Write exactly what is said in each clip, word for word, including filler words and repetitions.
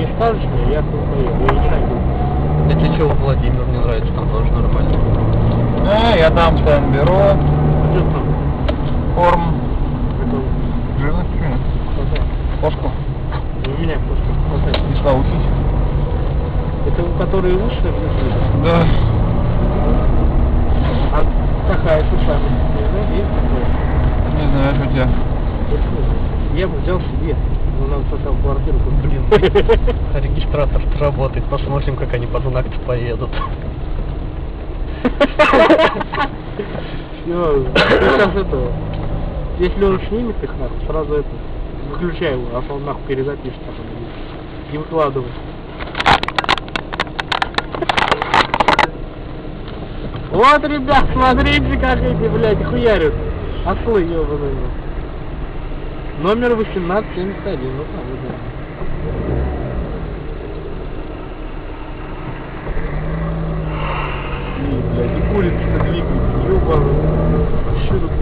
не скажешь мне, я тут поеду, я не найду. Если что, Владимир мне нравится, там тоже нормально. А, я дам там бюро, Что там? форм, Это жирность, хватает. кошку, У меня просто хватает. не научить. Это у которые выше, где-то? Да. А такая суша, не знаю, есть такое? Не знаю, что у тебя. Я бы взял себе, но нам состав квартиру, тут, блин. Регистратор работает, посмотрим, как они по знак-то поедут. Все, сейчас это, если он снимет их нахуй, сразу это, выключай его, а то он нахуй перезапишет потом и выкладывай. Вот, ребят, смотрите, как эти, блядь, хуярят. Ослы, ёбаные. Номер восемнадцать семьдесят один, ну там, вот. И, блядь, и курица-то двигается, ёбаный. Что тут?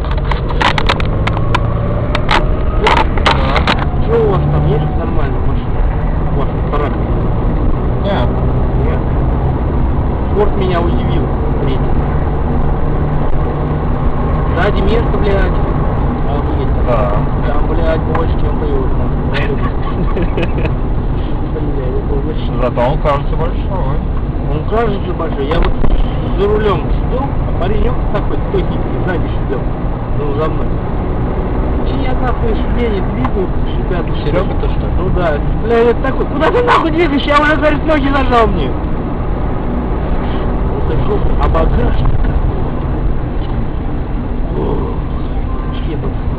Что у вас там есть нормальная машина? У вас аппарат? Нет. Нет. Форд меня удивил. Третий. Сзади место, блядь. Охуеть. Да. Там, блядь, больше, чем Toyota. Блядь, это вообще... Зато он кажется большой. Он кажется большой. Я вот за рулем сидел, а паренек такой, стойкий, сзади сидел. Ну, за мной. И я нахуй сиденье двигаю, шипят. Серега, то что? Ну да. Блядь, это такой, куда ты нахуй двигаешь? Я уже, говорит, ноги нажал мне. Вот это жопа. А багажник какой. Ох, ебать.